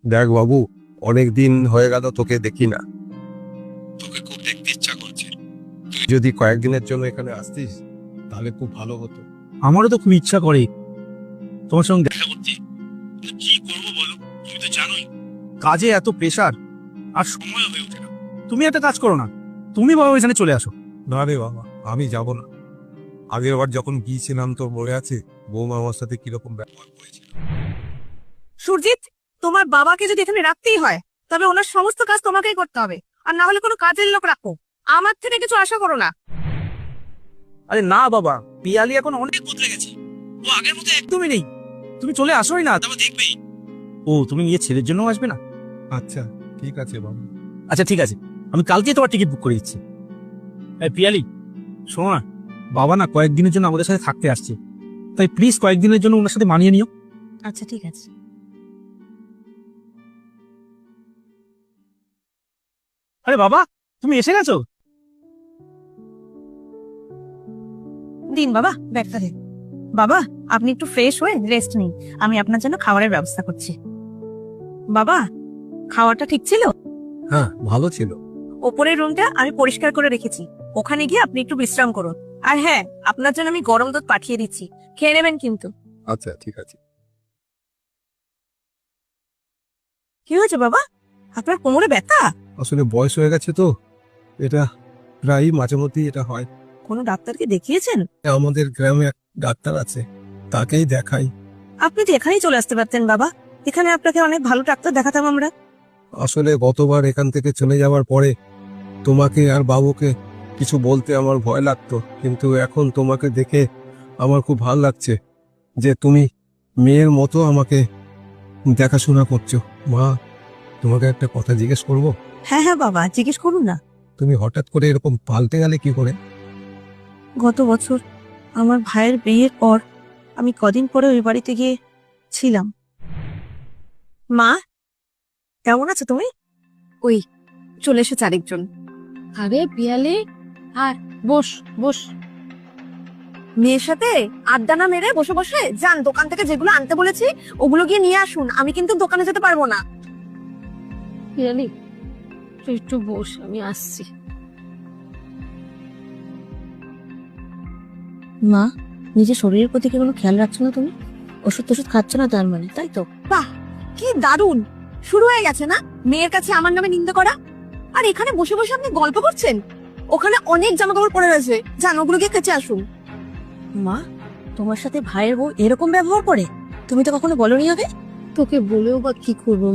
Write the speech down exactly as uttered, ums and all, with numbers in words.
দেখ বাবু, অনেক দিন হয়ে গেল তোকে দেখি না, তোকে খুব দেখতে ইচ্ছা করছে। তুই যদি কয়েকদিনের জন্য এখানে আসতিস তাহলে খুব ভালো হতো। আমারও তো খুব ইচ্ছা করে তোমার সঙ্গে দেখা করতে, কি করবো বলো? তুমি তো জানোই কাজে এত প্রেশার আর সময় হয়ে ওঠে না। তুমি একটা কাজ করো না, তুমি বাবা এখানে চলে আসো। না রে বাবা, আমি যাব না। আগের বার যখন গিয়েছিলাম তোর মনে আছে বৌমা আমার সাথে কিরকম ব্যবহার করেছিল? সুরজিৎ, তোমার বাবাকে যদি এখানে রাখতেই হয় তবে ওনার সমস্ত কাজ তোমাকেই করতে হবে, আর না হলে কোনো কাজের লোক রাখো। আমার থেকে কিছু আশা করো না। আরে না বাবা, পিয়ালি এখন অনেক বদলে গেছে, ও আগের মতো একদমই নেই। তুমি চলে আসোই না, তবে দেখবেই। ও তুমি নিয়ে ছেলের জন্য আসবে না? আচ্ছা ঠিক আছে বাবু। আচ্ছা ঠিক আছে, আমি কালকে তোমার টিকিট বুক করে দিচ্ছি। এই পিয়ালি শোনো না, বাবা না কয়েকদিনের জন্য আমাদের সাথে থাকতে আসছে, তাই প্লিজ কয়েকদিনের জন্য ওনার সাথে মানিয়ে নিও। আচ্ছা ঠিক আছে। আরে বাবা, তুমি এসে গেছো? দিন বাবা, ব্যাগটা দিন। বাবা, আপনি একটু ফ্রেশ হয়ে রেস্ট নিন, আমি আপনার জন্য খাবারের ব্যবস্থা করছি। বাবা, খাওয়াটা ঠিক ছিল? হ্যাঁ ভালো ছিল। ওপরের রুমটা আমি পরিষ্কার করে রেখেছি, ওখানে গিয়ে আপনি একটু বিশ্রাম করুন। আর হ্যাঁ, আপনার জন্য আমি গরম দুধ পাঠিয়ে দিচ্ছি, খেয়ে নেবেন কিন্তু। আচ্ছা ঠিক আছে। কি হয়েছে বাবা, আপনার কোমরে ব্যথা? আসলে বয়স হয়ে গেছে তো, এটা প্রায় মাঝে মধ্যেই এটা হয়। কোনো ডাক্তারকে দেখিয়েছেন? আমাদের গ্রামে এক ডাক্তার আছে, তাকেই দেখাই। আপনি তো এখানেই চলে আসতে পারতেন বাবা, এখানে আপনাকে অনেক ভালো ডাক্তার দেখাতাম আমরা। আসলে গতবার এখান থেকে চলে যাওয়ার পরে তোমাকে আর বাবুকে কিছু বলতে আমার ভয় লাগতো, কিন্তু এখন তোমাকে দেখে আমার খুব ভালো লাগছে যে তুমি মেয়ের মতো আমাকে দেখাশোনা করছো। মা, তোমাকে একটা কথা জিজ্ঞেস করব? হ্যাঁ হ্যাঁ বাবা, জিজ্ঞেস করুন না। তুমি হঠাৎ করে এরকম পাল্টে গেলে কি করে? গত বছর আমার ভাইয়ের বিয়ের পর আমি কদিন পরে ওই বাড়িতে গিয়ে ছিলাম। মা, কেমন আছো তুমি? ওই চলে এসেছে আরেকজন। আরে পিয়ালি, আর বস বস। মেয়ের সাথে আড্ডা না মেরে বসে বসে যান, দোকান থেকে যেগুলো আনতে বলেছি ওগুলো গিয়ে নিয়ে আসুন, আমি কিন্তু দোকানে যেতে পারবো না। পিয়ালি তুই একটু বস, আমি আসছি। মা, নিজের শরীরের প্রতি কি কোনো খেয়াল রাখছো না তুমি? ওষুধ টষুধ খাচ্ছ না তার মানে, তাই তো? বাহ, কি দারুণ শুরু হয়ে গেছে না মেয়ের কাছে আমার নামে নিন্দা করা। আর এখানে বসে বসে আপনি গল্প করছেন, ওখানে অনেক জামা কাপড় পড়ে রয়েছে, যান ওগুলো গিয়ে কেচে আসুন। মা, তোমার সাথে ভাইয়ের বউ এরকম ব্যবহার করে? তুমি তো কখনো বলনি হবে। তোকে বলেও বা কি করবো